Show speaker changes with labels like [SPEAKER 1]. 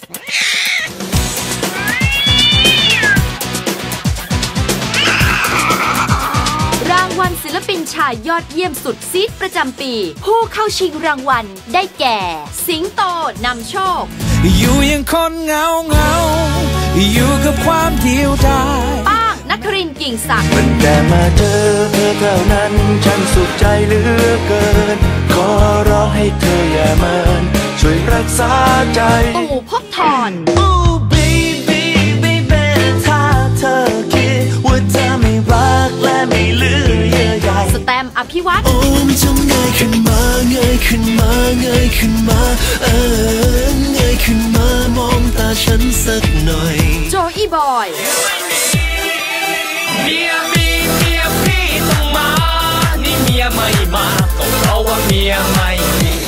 [SPEAKER 1] รางวัลศิลปินชายยอดเยี่ยมสุดซีดประจำปีผู้เข้าชิงรางวัลได้แก่สิงโตนำโชค
[SPEAKER 2] อยู่ยังคนเงาอยู่กับความเดียวดาย
[SPEAKER 1] ป้างนครินทร์กิ่งศักดิ์
[SPEAKER 3] มันแต่มาเจอเธอเท่านั้นฉันสุขใจเหลือเกินขอร้องให้เธออย่าเมินช่วยรักษาใจ
[SPEAKER 1] ตู่ภพธร
[SPEAKER 3] ถ้าเธอคิดว่าเธอไม่รักและไม่เหลือเยื่อใย
[SPEAKER 1] สแตมป์อภิวัตร
[SPEAKER 3] โอ้มันจงเงยขึ้นมาเงยขึ้นมาเงยขึ้นมาเงยขึ้นมามองตาฉันสักหน่อย
[SPEAKER 1] โจอี้บอย
[SPEAKER 4] เมียพี่ต้องมานี่เมียไม่มาก็เพราะว่าเมียไม่มี